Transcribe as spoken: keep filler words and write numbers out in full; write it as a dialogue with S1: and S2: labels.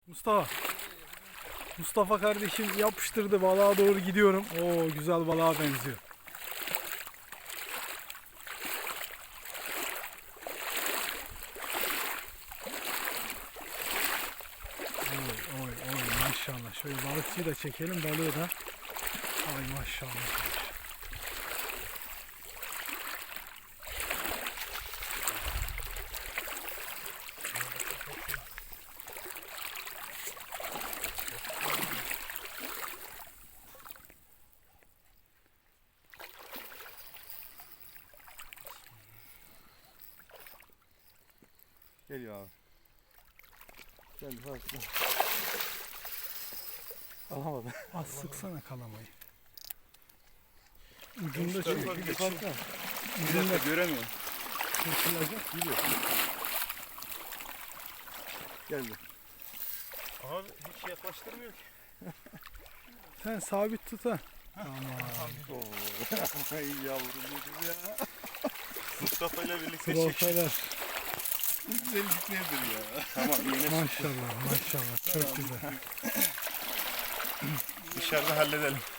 S1: Mustafa. Mustafa kardeşim yapıştırdı, balığa doğru gidiyorum. Oo, güzel balığa benziyor. Oy oy oy maşallah. Şöyle balıkçıyı da çekelim, balığı da. Ay maşallah.
S2: Geliyor abi. Geldi farklı. Alamadım.
S1: Az sıksana kalamayı. Ucunda çünkü
S2: Bir de farklı.
S1: ucunda
S2: Göremiyorum.
S1: kurtulacak.
S2: Gidiyor. Geldi.
S3: Abi hiç yaklaştırmıyor ki.
S1: Sen sabit tut ha. Aman.
S2: Oo. Ay yavrum dedim ya.
S3: Mustafa ile birlikte çek.
S1: Profeler.
S2: Güzellik nedir ya?
S3: Tamam yine
S1: Maşallah maşallah. Çok güzel.
S3: dışarıda halledelim.